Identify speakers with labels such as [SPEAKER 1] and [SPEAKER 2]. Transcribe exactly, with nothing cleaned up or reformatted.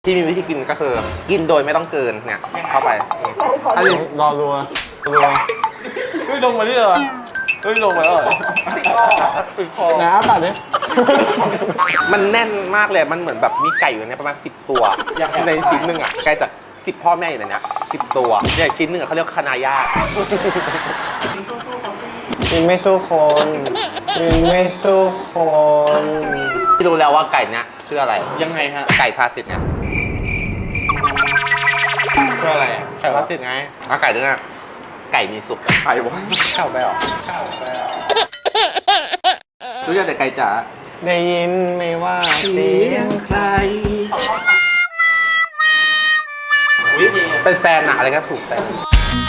[SPEAKER 1] ที่มีวิธีกินก็คือกินโดยไม่ต้องเกินเนี่ยเข้าไป
[SPEAKER 2] อันนี้รอรัวรัว
[SPEAKER 3] เฮ้ยลงมาที่เหรอเฮ้ยลงมาแล้วเหรอติดคอ
[SPEAKER 2] ไหนอ้าปากดิ
[SPEAKER 1] มันแน่นมากเลยมันเหมือนแบบมีไก่อยู่ในประมาณสิบตัวในชิ้นหนึ่งอ่ะไก่จากสิบพ่อแม่อยู่ในเนี้ยสิบตัวเนี่ยชิ้นหนึ่งเขาเรียกคานาย่า
[SPEAKER 2] กินไม่สู้คนกินไม่สู้คน
[SPEAKER 1] ที่รู้แล้วว่าไก่เนี้ยชื่ออะไร
[SPEAKER 3] ยังไงฮะ
[SPEAKER 1] ไก่พาสิตเนี่ย
[SPEAKER 2] คืออะไรอ่ะ
[SPEAKER 1] ไก่พาสิตไงอ่ะไก่ตัวเนี้ยไก่มีสุก
[SPEAKER 3] ใครวะ
[SPEAKER 1] เข้าไปหรอ
[SPEAKER 3] รู้จักแต่ไก่จ๋า
[SPEAKER 2] ได้ยินไหมว่าเสียง
[SPEAKER 3] ใคร
[SPEAKER 1] เป็นแฟนอะอะไรก็ถูกแฟน